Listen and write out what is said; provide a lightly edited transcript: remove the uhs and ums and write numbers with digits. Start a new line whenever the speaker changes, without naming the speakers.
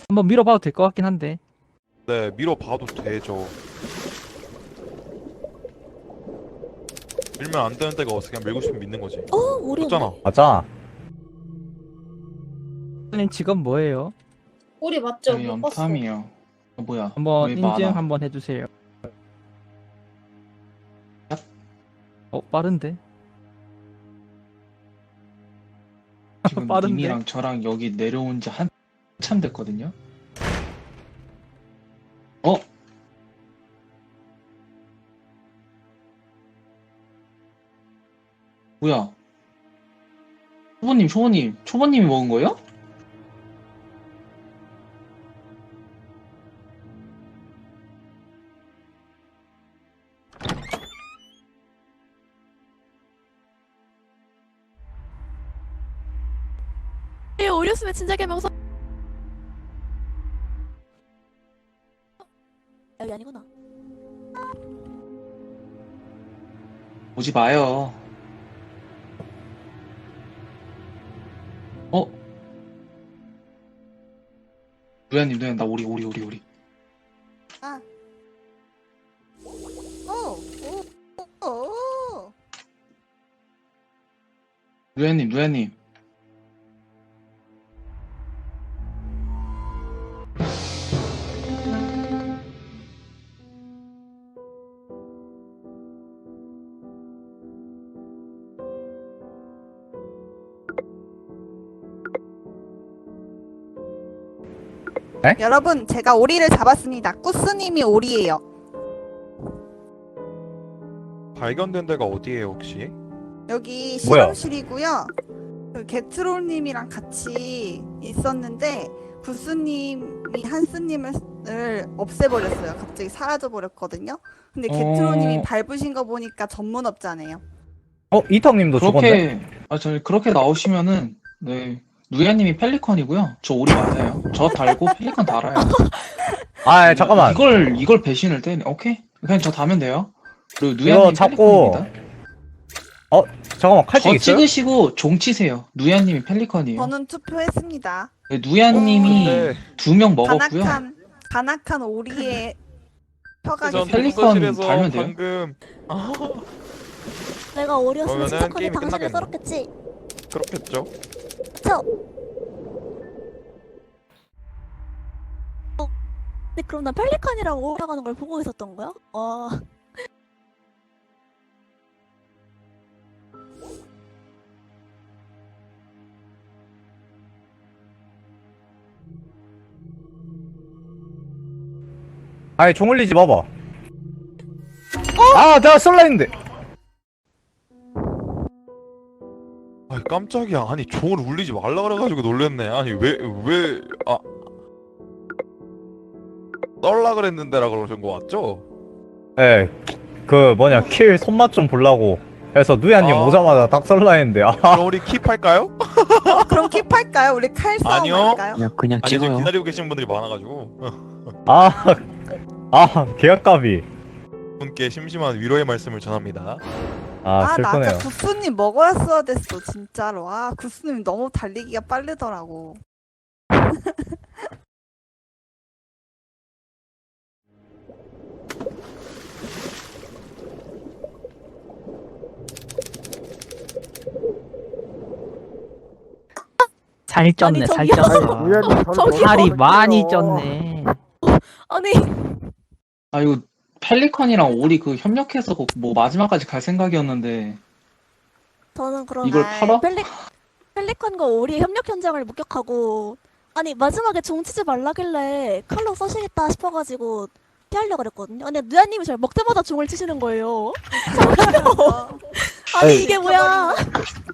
한번 밀어봐도 될 것 같긴 한데.
네, 밀어봐도 되죠. 밀면 안 되는 데가 없어. 그냥 밀고 싶으면 믿는 거지.
우리
맞잖아.
맞아.
선생님 직업 뭐예요?
우리 맞죠?
저희
못 봤어.
염탐이요. 뭐야?
한번
왜
인증
많아?
한번 해주세요.
얍.
빠른데?
지금
빠른데?
님이랑 저랑 여기 내려온 지 한참 됐거든요. 어? 뭐야? 초보님이 먹은 거예요?
오렸으면 진작에 명서. 여기 아니구나.
오지 마요. 어? 누야님, 나 오리.
아. 오.
누야님.
여러분, 제가 오리를 잡았습니다. 꾸스님이 오리예요.
발견된 데가 어디예요, 혹시?
여기
뭐야?
실험실이고요. 그 게트롤님이랑 같이 있었는데 구스님이 한스님을 없애버렸어요. 갑자기 사라져버렸거든요. 근데 게트롤님이 밟으신 거 보니까 전문업자네요.
이턱님도 죽었네.
그렇게 나오시면은, 네. 누야님이 펠리컨이고요. 저 오리 맞아요. 저 달고 펠리컨 달아요.
아, 잠깐만.
이걸 배신을 때네. 오케이. 그냥 저 다면 돼요. 그리고
이거
누야님
자꾸
펠리컨입니다.
잠깐만, 칼집
저
있어요?
찍으시고 종 치세요. 누야님이 펠리컨이에요.
저는 투표했습니다.
네, 누야님이
근데
2명 먹었고요.
간악한 오리의 혀가
전
펠리컨
도서실에서
달면 돼요?
방금
내가 오렸으면
그러면은
침착하게
게임이
당신을
끝나겠네.
썰었겠지.
그렇겠죠.
그쵸? 근데 그럼 난 펠리칸이랑 올라가는 걸 보고 있었던 거야?
아니, 종 올리지 마봐. 아, 내가 쏠라 했는데.
아니 깜짝이야. 아니 종을 울리지 말라 그래가지고 놀랬네. 아니 떨라 그랬는데라 그러신 거 맞죠?
예, 킬 손맛 좀 보려고 해서 누야님
아.
오자마자 딱 쏠라 했는데.
그럼 우리 킵할까요?
그럼 킵할까요? 우리 칼싸움
아니요.
할까요?
그냥
아니 지금
찍어요.
기다리고 계신 분들이 많아가지고
계약값이.
분께 심심한 위로의 말씀을 전합니다.
나
슬프네요.
아까 구스님 먹었어야 됐어, 진짜로. 구스님 너무 달리기가 빠르더라고.
살 쪘네, 살
저기요.
쪘어. 살이 많이 쪘네.
아니
이거 펠리컨이랑 오리 협력해서 뭐 마지막까지 갈 생각이었는데
저는 그럼
이걸 팔아?
펠리칸과 오리의 협력 현장을 목격하고 아니 마지막에 종 치지 말라길래 칼로 써시겠다 싶어가지고 피하려고 그랬거든요. 근데 누야님이 저를 먹자마자 종을 치시는 거예요. 아니 이게 뭐야?